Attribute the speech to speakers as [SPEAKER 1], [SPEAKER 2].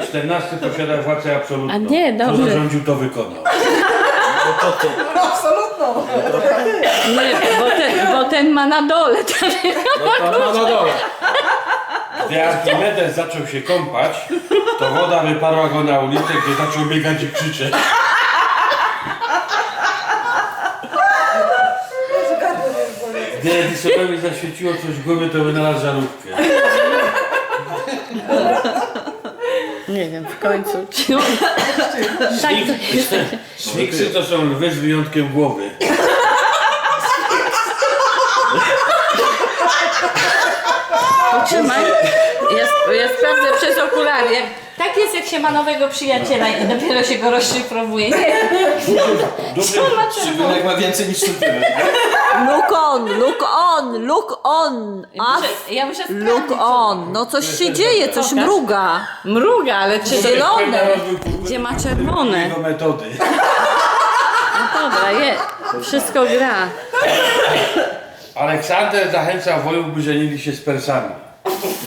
[SPEAKER 1] 14 posiada władzę absolutną.
[SPEAKER 2] A nie,
[SPEAKER 1] Kto
[SPEAKER 2] dobrze.
[SPEAKER 1] zarządził, to wykonał.
[SPEAKER 3] Absolutną.
[SPEAKER 2] Nie, bo ten ma na dole.
[SPEAKER 4] No to na dole.
[SPEAKER 1] Gdy Archimedes zaczął się kąpać, to woda wyparła go na ulicę, gdzie zaczął biegać i krzyczeć. Gdy Edisonowi zaświeciło coś w głowie, to wynalazł żarówkę.
[SPEAKER 2] Nie wiem, w końcu. Czy on... Tak to jest.
[SPEAKER 1] Sfinksy to są lwy z wyjątkiem głowy.
[SPEAKER 2] Trzymaj. Ja sprawdzę przez okulary. Tak jest, jak się ma nowego przyjaciela i dopiero się go rozszyfrowuje.
[SPEAKER 1] Duży,
[SPEAKER 2] Co ma
[SPEAKER 4] Szczególnie ma więcej niż centymetr.
[SPEAKER 3] Look on, look on, look on.
[SPEAKER 2] Ja muszę sprawdzić.
[SPEAKER 3] Look on. No coś się dzieje, coś
[SPEAKER 2] Pokaż.
[SPEAKER 3] mruga.
[SPEAKER 2] Mruga, ale czy
[SPEAKER 3] Zielone.
[SPEAKER 2] Gdzie ma czerwone?
[SPEAKER 1] Jego metody.
[SPEAKER 2] No dobra, wszystko gra.
[SPEAKER 1] Aleksander zachęcał wojów, by żenili się z Persami.